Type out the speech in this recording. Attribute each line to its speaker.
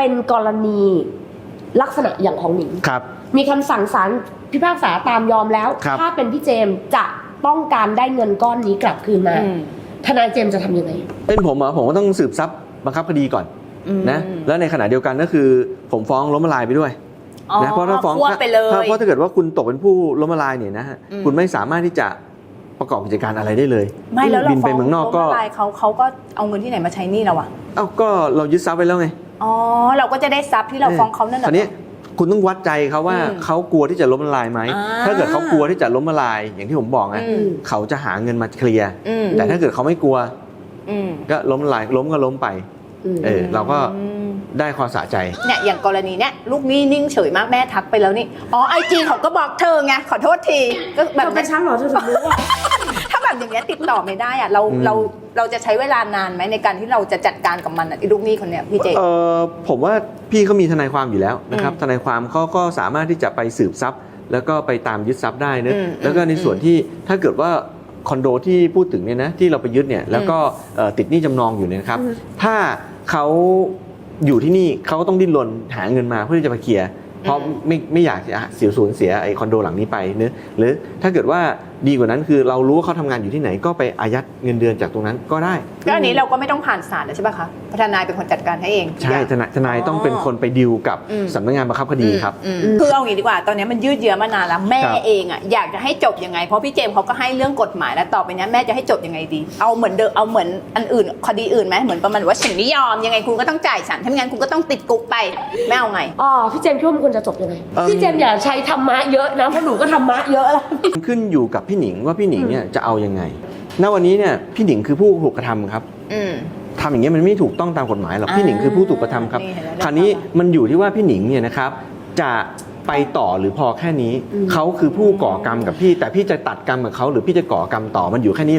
Speaker 1: เป็นกรณีลักษณะอย่างของหนิง
Speaker 2: ครับ
Speaker 1: มีคำสั่งศาลพิพากษาตามยอมแล้วถ้าเป็นพี่เจมส์จะต้องการได้เงินก้อนนี้กลับคืนมาทนายเจมส์จะทำยังไง
Speaker 2: เป็นผมเหรอผมก็ต้องสืบทรัพย์บังคับคดีก่อนนะแล้วในขณะเดียวกันก็คือผมฟ้องล้มละลายไปด้วยนะเพราะถ้าฟ้องเพราะถ้าเกิดว่าคุณตกเป็นผู้ล้มละลายเนี่ยนะฮะคุณไม่สามารถที่จะประกอบกิจการอะไรได้เลย
Speaker 3: ไม่แล้วเรา
Speaker 2: บินไปเมืองนอกก็
Speaker 3: เขาก็เอาเงินที่ไหนมาใช้หนี้เราอะ
Speaker 2: ก็เรายึดทรัพย์ไปแล้วไง
Speaker 3: อ๋อเราก็จะได้ทรัพย์ที่เราฟ้องเขานั่นแหละ
Speaker 2: ทีนี้คุณต้องวัดใจเขาว่าเขากลัวที่จะล้มละลายไหมถ้าเกิดเขากลัวที่จะล้มละลายอย่างที่ผมบอกนะเขาจะหาเงินมาเคลียร์แต่ถ้าเกิดเขาไม่กลัวก็ล้มละลายล้มก็ล้มไปเราก็ได้ความสะใจ
Speaker 3: เนี่ยอย่างกรณีเนี้ยลูกหนี้นิ่งเฉยมากแม่ทักไปแล้วนี่IG เขาก็บอกเธอไงขอโทษทีก็แบบ
Speaker 1: เป็นชั้นหรอเธอถึงรู้ว่า
Speaker 3: ถ้าแบบอย่างเงี้ยติดต่อไม่ได้อะเราจะใช้เวลานานไหมในการที่เราจะจัดการกับมันไอ้ลูกหนี้คนเนี้ยพี่เจ
Speaker 2: ผมว่าพี่เขามีทนายความอยู่แล้วนะครับทนายความเขาก็สามารถที่จะไปสืบทรัพย์แล้วก็ไปตามยึดทรัพย์ได้นะแล้วก็ในส่วนที่ถ้าเกิดว่าคอนโดที่พูดถึงเนี่ยนะที่เราไปยึดเนี่ยแล้วก็ติดหนี้จำนองอยู่เนี่ยนะครับถ้าเขาอยู่ที่นี่เขาก็ต้องดิ้นรนหาเงินมาเพื่อที่จะมาเคลียร์เพราะไม่อยากจะสูญเสียไอ้คอนโดหลังนี้ไปเนอะหรือถ้าเกิดว่าดีกว่านั้นคือเรารู้ว่าเขาทำงานอยู่ที่ไหนก็ไปอายัดเงินเดือนจากตรงนั้นก็ได้
Speaker 3: ก็อันนี้เราก็ไม่ต้องผ่านศาลแล้วใช่ป่ะคะทนายเป็นคนจัดการให้เอง
Speaker 2: ใช่ทนายต้องเป็นคนไปดีลกับสำนักงานบังคับคดีครับ
Speaker 3: คือเอาอย่างนี้ดีกว่าตอนนี้มันยืดเยื้อมานานแล้วแม่เองอ่ะอยากจะให้จบยังไงเพราะพี่เจมส์เขาก็ให้เรื่องกฎหมายแล้วต่อไปนี้แม่จะให้จบยังไงดีเอาเหมือนเดิมเอาเหมือนอันอื่นคดีอื่นไหมเหมือนประมาณว่าฉันไม่ยอมยังไงคุณก็ต้องจ่ายฉันถ้าไม่งั้นคุณก็ต้องติดคุกไปแม่เอาไง
Speaker 1: พี่เจมส์คิดว่ามันควรจะจบยังไงพี่เจมส์อย่าใช้ธรรมะเยอะนะเพราะหนูก็ธรรมะเยอะแล้ว
Speaker 2: ขึ้นอยู่กับพี่หนิงว่าพี่หนิงเนี่ยจะเอายังไงณวันนี้เนี่ยพี่หนิงคือผู้ถูกกระทำครับทำอย่างเงี้ยมันไม่ถูกต้องตามกฎหมายหรอกพี่หนิงคือผู้ถูกกระทำครับคราวนี้มันอยู่ที่ว่าพี่หนิงเนี่ยนะครับจะไปต่อหรือพอแค่นี้เขาคือผู้ก่อกรรมกับพี่แต่พี่จะตัดกรรมกับเขาหรือพี่จะก่อกรรมต่อมันอยู่แค่นี้